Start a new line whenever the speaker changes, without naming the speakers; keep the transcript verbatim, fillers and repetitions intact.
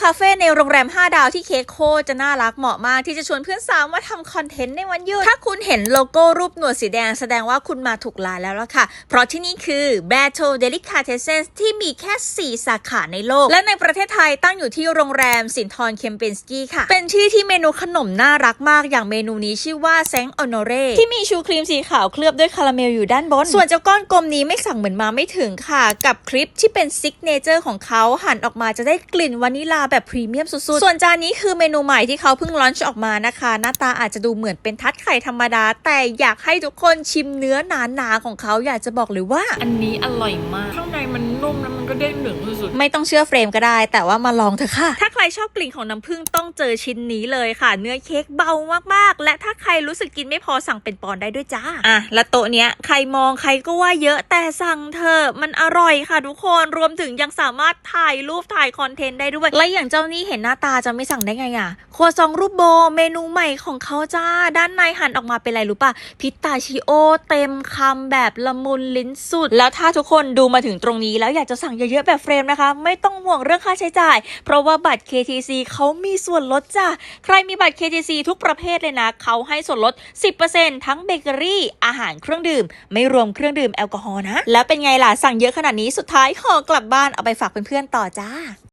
คาเฟ่ในโรงแรมห้าดาวที่เค้กโคจะน่ารักเหมาะมากที่จะชวนเพื่อนสาวมาทำคอนเทนต์ในวันหยุดถ้าคุณเห็นโลโก้รูปหนวดสีแดงแสดงว่าคุณมาถูกร้านแล้วล่ะค่ะเพราะที่นี่คือ Battle Delicatessen ที่มีแค่สี่สาขาในโลกและในประเทศไทยตั้งอยู่ที่โรงแรมสินทรเคมเปนสกี้ค่ะเป็นที่ที่เมนูขนมน่ารักมากอย่างเมนูนี้ชื่อว่าแซงอโนเรที่มีชูครีมสีขาวเคลือบด้วยคาราเมลอยู่ด้านบนส่วนเจ้าก้อนกลมนี้ไม่สั่งเหมือนมาไม่ถึงค่ะกับคลิปที่เป็นซิกเนเจอร์ของเขาหั่นออกมาจะได้กลิ่นวานิลาแบบพรีเมียมสุดๆส่วนจานนี้คือเมนูใหม่ที่เขาเพิ่งลอนช์ออกมานะคะหน้าตาอาจจะดูเหมือนเป็นทัดไข่ธรรมดาแต่อยากให้ทุกคนชิมเนื้อหนาๆของเขาอยากจะบอกเลยว่า
อันนี้อร่อยมากข้างในมันนุ่มแล้วมันก็เด้งหนึงสุด
ไม่ต้องเชื่อเฟรมก็ได้แต่ว่ามาลองเถอะค่ะถ้าใครชอบกลิ่นของน้ำผึ้งต้องเจอชิ้นนี้เลยค่ะเนื้อเค้กเบามากๆและถ้าใครรู้สึกกินไม่พอสั่งเป็นปอนด์ได้ด้วยจ้าอ่ะและโต๊ะเนี้ยใครมองใครก็ว่าเยอะแต่สั่งเถอะมันอร่อยค่ะทุกคนรวมถึงยังสามารถถ่ายรูปถ่ายคอนเทนต์ได้ด้วยและอย่างเจ้านี่เห็นหน้าตาจะไม่สั่งได้ไงอ่ะครัวซองรูปโบเมนูใหม่ของเขาจ้าด้านในหั่นออกมาเป็นอะไรรู้ป่ะพิสตาชิโอเต็มคำแบบละมุนลิ้นสุดแล้วถ้าทุกคนดูมาถึงตรงนี้แล้วอยากจะสั่งเยอะๆแบบเฟรมนะคะไม่ต้องห่วงเรื่องค่าใช้จ่ายเพราะว่าบัตร เค ที ซี เขามีส่วนลดจ้ะใครมีบัตร เค ที ซี ทุกประเภทเลยนะเขาให้ส่วนลด สิบเปอร์เซ็นต์ ทั้งเบเกอรี่อาหารเครื่องดื่มไม่รวมเครื่องดื่มแอลกอฮอล์นะแล้วเป็นไงล่ะสั่งเยอะขนาดนี้สุดท้ายห่อกลับบ้านเอาไปฝากเพื่อนๆต่อจ้า